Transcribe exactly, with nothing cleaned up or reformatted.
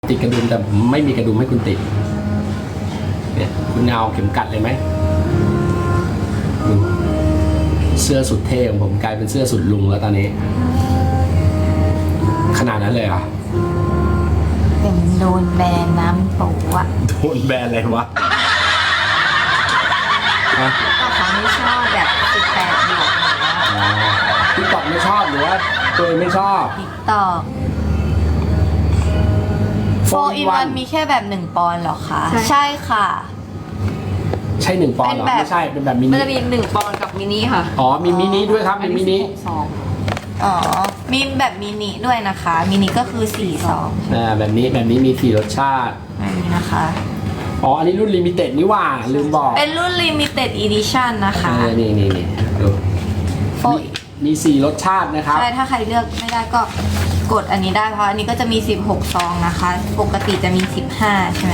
ติดกระดุมแต่ไม่มีกระดุมให้คุณติดเนี่ยคุณเอาเข็มกัดเลยไหมดูเสื้อสุดเท่ของผมกลายเป็นเสื้อสุดลุงแล้วตอนนี้ ขนาดนั้นเลยเหรอเป็นโดนแบนน้ำโปะโดนแบนอะไรวะฮะก็เขาไม่ชอบแบบสิบแปดบวกติ๊กต็อกไม่ชอบหรือว่าตัวเองไม่ชอบติ๊กตอกโฟอินวันมีแค่แบบหนึ่งปอนด์เหรอคะ ใช่ค่ะใช่หนึ่งปอนด์เหรอเป็นแบบไม่ใช่เป็นแบบมิมันนิจะมีหนึ่งปอนด์กับมินิค่ะอ๋อมีมินิด้วยครับมีมินิสองอ๋อ มีแบบมินิด้วยนะคะ มินิก็คือสี่สองอ่าแบบนี้แบบนี้มีสี่รสชาติอันนี้นะคะอ๋ออันนี้รุ่นลิมิเต็ดนี่หว่าลืมบอกเป็นรุ่น limited edition นะคะเออนี่นี่นี่ดูโฟมีมีสี่รสชาตินะครับใช่ ถ้าใครเลือกไม่ได้ก็กดอันนี้ได้เพราะอันนี้ก็จะมีสิบหกซองนะคะ ปกติจะมีสิบห้าใช่ไหม